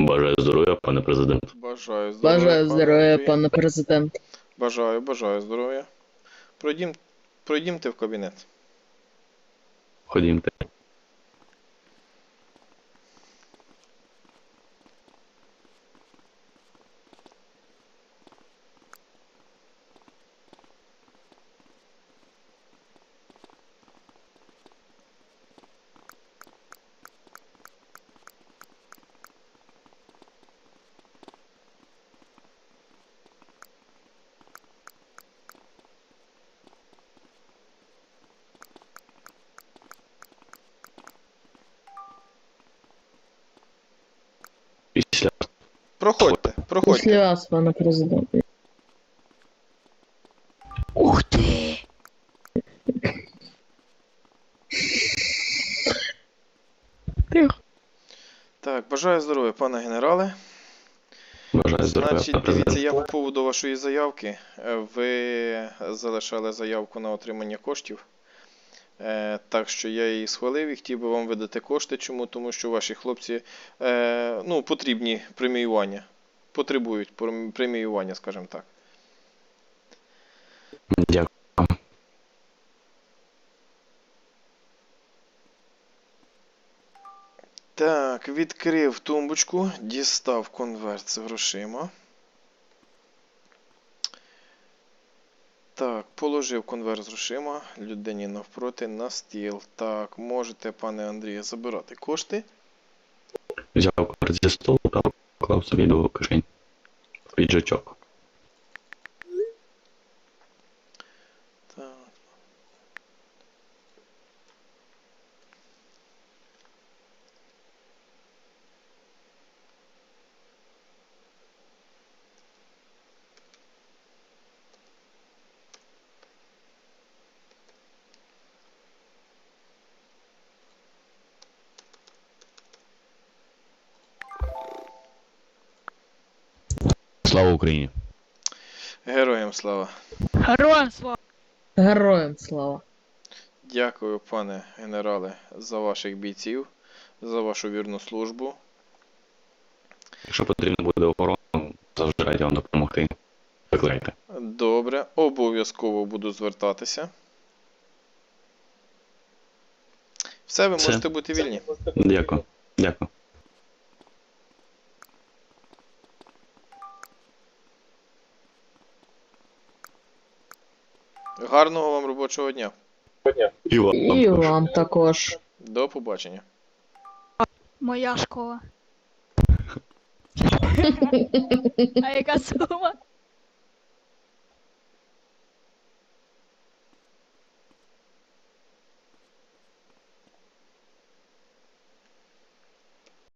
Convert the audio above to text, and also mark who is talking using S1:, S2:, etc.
S1: Бажаю здоров'я, пане президент.
S2: Бажаю здоров'я,
S3: Бажаю
S2: пане
S3: здоров'я,
S2: Андрій.
S3: пане президент.
S2: Бажаю здоров'я. Пройдімте в кабінет.
S1: Ходімте. Після.
S2: Проходьте.
S3: Після вас, пане президент.
S1: Ух ти!
S3: Тихо.
S2: Так, бажаю здоров'я, пане генерале.
S1: Бажаю здоров'я,
S2: Значить,
S1: пане
S2: дивіться,
S1: президент.
S2: я по поводу вашої заявки. Ви залишали заявку на отримання коштів. Так що я її схвалив і хотів би вам видати кошти. Чому? Тому що ваші хлопці потрібні преміювання. Потребують преміювання, скажімо так.
S1: Дякую.
S2: Так, відкрив тумбочку, дістав конверт з грошима. Так, положив конверт з грошима людині навпроти на стіл. Так, можете, пане Андрію, забирати кошти.
S1: Взяв конверт зі столу та поклав собі до кишень. Піджачок.
S2: Так.
S1: Слава Україні!
S2: Героям слава.
S4: Героям слава!
S3: Героям слава.
S2: Дякую, пане генерале, за ваших бійців, за вашу вірну службу.
S1: Якщо потрібно буде охорона, завжди раді вам допомогти. Викликайте.
S2: Добре, обов'язково буду звертатися. Все, ви
S1: Все.
S2: можете бути вільні.
S1: Дякую. Дякую.
S2: Гарного вам робочого дня.
S1: І вам.
S3: І вам також.
S2: До побачення.
S4: Моя школа. А яка сума?